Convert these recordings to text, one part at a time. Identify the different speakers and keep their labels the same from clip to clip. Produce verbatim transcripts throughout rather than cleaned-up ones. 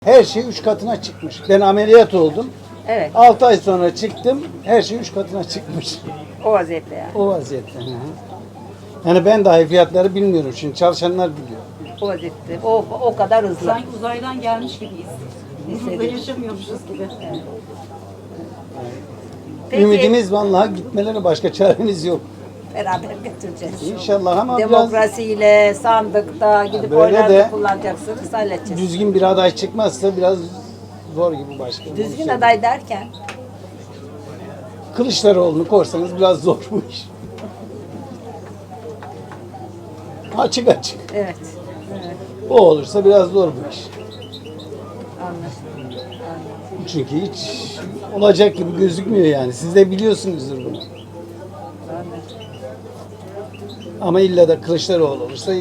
Speaker 1: Her şey üç katına çıkmış. Ben ameliyat oldum.
Speaker 2: Evet.
Speaker 1: altı ay sonra çıktım. Her şey üç katına çıkmış.
Speaker 2: O vaziyette yani.
Speaker 1: O vaziyette. Hı hı. Yani ben dahi fiyatları bilmiyorum. Şimdi çalışanlar biliyor.
Speaker 2: O vaziyette. O, o kadar hızlı.
Speaker 3: Sanki uzaydan gelmiş gibiyiz. Burada
Speaker 2: Hissediyorum.
Speaker 3: yaşamıyormuşuz gibi.
Speaker 2: Peki,
Speaker 1: Ümidimiz vallahi gitmeleri, başka çaremiz yok.
Speaker 2: beraber götüreceğiz.
Speaker 1: İnşallah ama biraz
Speaker 2: Demokrasiyle, sandıkta gidip
Speaker 1: Böyle
Speaker 2: oylarını
Speaker 1: de-
Speaker 2: kullanacaksınız, halledeceğiz.
Speaker 1: düzgün bir aday çıkmazsa biraz zor gibi başkanım.
Speaker 2: Düzgün aday derken,
Speaker 1: Kılıçdaroğlu'nu korsanız biraz zor bu iş. Açık açık.
Speaker 2: evet. Evet,
Speaker 1: O olursa biraz zor bu iş.
Speaker 2: anlaşıldı. Anlaşıldı.
Speaker 1: Çünkü hiç olacak gibi gözükmüyor yani. Siz de biliyorsunuzdur bunu.
Speaker 2: Anlaşıldı.
Speaker 1: Ama illa da Kılıçdaroğlu olursa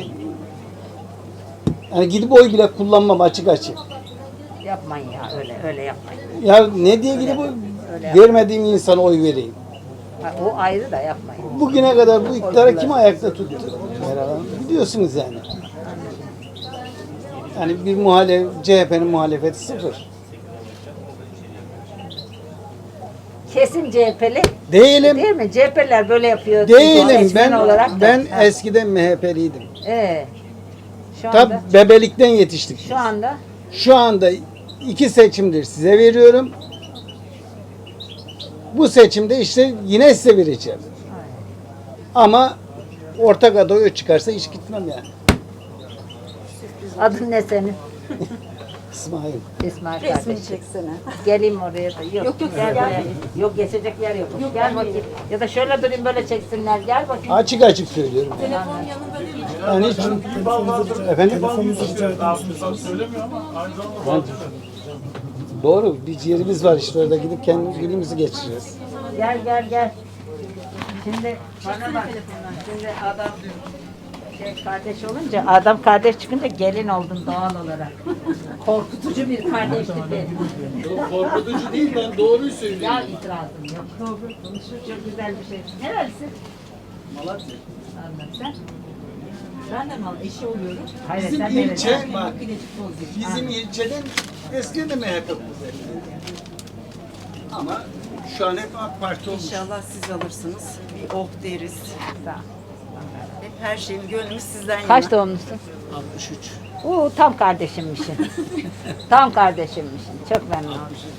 Speaker 1: yani gidip oy bile kullanmam, açık açık.
Speaker 2: Yapmayın ya, öyle öyle yapmayın.
Speaker 1: Ya ne diye gidip oy,
Speaker 2: Öyle
Speaker 1: vermediğim insana oy vereyim.
Speaker 2: Ha, o ayrı da yapmayın.
Speaker 1: Bugüne kadar bu iktidarı kim ayakta tuttu? Meral Hanım, biliyorsunuz yani. Yani bir muhalef, C H P'nin muhalefeti sıfır.
Speaker 2: Kesin C H P'li
Speaker 1: Değilim.
Speaker 2: değil mi? C H P'liler böyle yapıyor.
Speaker 1: Değilim.
Speaker 2: Seçmen
Speaker 1: Ben
Speaker 2: olarak da.
Speaker 1: ben
Speaker 2: Ha.
Speaker 1: eskiden M H P'liydim.
Speaker 2: Ee, şu anda,
Speaker 1: Tabi bebelikten yetiştik.
Speaker 2: şu anda
Speaker 1: Şu anda iki seçimdir size veriyorum. Bu seçimde işte yine size vereceğim. Ama ortak aday çıkarsa hiç gitmem yani.
Speaker 2: adın ne senin?
Speaker 1: İsmail.
Speaker 2: İsmail
Speaker 3: Resmini
Speaker 2: kardeşim.
Speaker 3: çeksene.
Speaker 2: Geleyim oraya da. Yok,
Speaker 3: Yok, yok,
Speaker 2: gel
Speaker 3: gel.
Speaker 2: buraya. Yok, geçecek yer yok.
Speaker 3: Yok,
Speaker 2: gel
Speaker 3: ben
Speaker 2: bakayım.
Speaker 3: gelirim.
Speaker 2: Ya da şöyle durayım, böyle çeksinler. Gel bakayım.
Speaker 1: Açık açık söylüyorum. Yani.
Speaker 3: Telefon yanında değil mi?
Speaker 1: Yani hiç, efendim? Ben- Doğru. Bir yerimiz var işte orada, gidip kendi günümüzü geçireceğiz.
Speaker 2: Gel gel gel. Şimdi bana bak. Şimdi adam şey kardeş olunca, adam kardeş çıkınca gelin oldun doğal olarak. Korkutucu bir kardeşlik benim.
Speaker 1: Korkutucu değil, ben doğruyu söylüyorum.
Speaker 2: Ya itirazım yok. Doğru konuşur. Çok güzel bir şey. Nerelisin?
Speaker 1: Malatya.
Speaker 2: Anlat sen.
Speaker 3: Ben de mal eşi oluyorum.
Speaker 2: Hayır,
Speaker 1: Bizim
Speaker 2: sen nerelisin?
Speaker 1: ilçe, bak,
Speaker 3: Bilecik bozuyor.
Speaker 1: bizim ilçeden eskiden de M H P ama şu an hep AK Parti olmuş.
Speaker 3: İnşallah siz alırsınız. Bir oh deriz.
Speaker 2: Sağ ol.
Speaker 3: Hep her şeyim, gönlümüz sizden yana.
Speaker 2: Kaç doğumlusun?
Speaker 1: altmış üç.
Speaker 2: Oo, tam kardeşimmişsin. Tam kardeşimmişsin. Çok memnun oldum.